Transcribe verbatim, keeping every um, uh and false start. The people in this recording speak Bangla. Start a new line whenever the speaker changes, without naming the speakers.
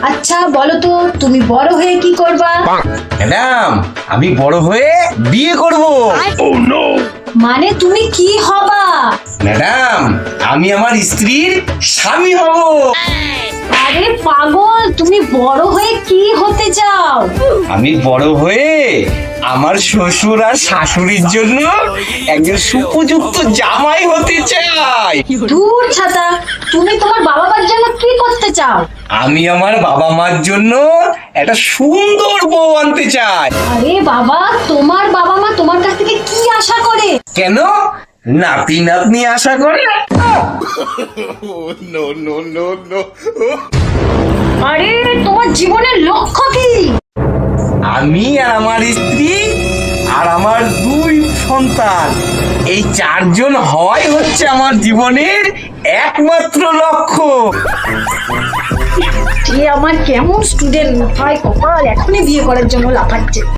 আচ্ছা বলো তো, তুমি বড় হয়ে কি করবা?
ম্যাডাম, আমি বড় হয়ে বিয়ে করব।
মানে তুমি কি হবা?
ম্যাডাম, আমি আমার স্ত্রীর স্বামী হব।
আরে পাগল, তুমি বড় হয়ে কি হতে চাও?
আমি বড় হয়ে আমার শ্বশুর আর শাশুড়ির জন্য একজন সুপযুক্ত জামাই হতে চাই।
দূর ছাতা, তুমি তোমার বাবা মার জন্য কি করতে চাও?
আমি আমার বাবা মার জন্য একটা সুন্দর বউ আনতে চাই।
আরে বাবা, তোমার বাবা মা তোমার কাছ থেকে কি আশা করে?
কেন? নাতি নাতনি আশা করে।
আরে তোমার জীবনের লক্ষ্য কি?
আমি আর আমার স্ত্রী আর আমার দুই সন্তান, এই চারজন হওয়াই হচ্ছে আমার জীবনের একমাত্র লক্ষ্য।
এ আমার কেমন স্টুডেন্ট, ভাই কপাল এখনই বিয়ে করার জন্য লাফাচ্ছে।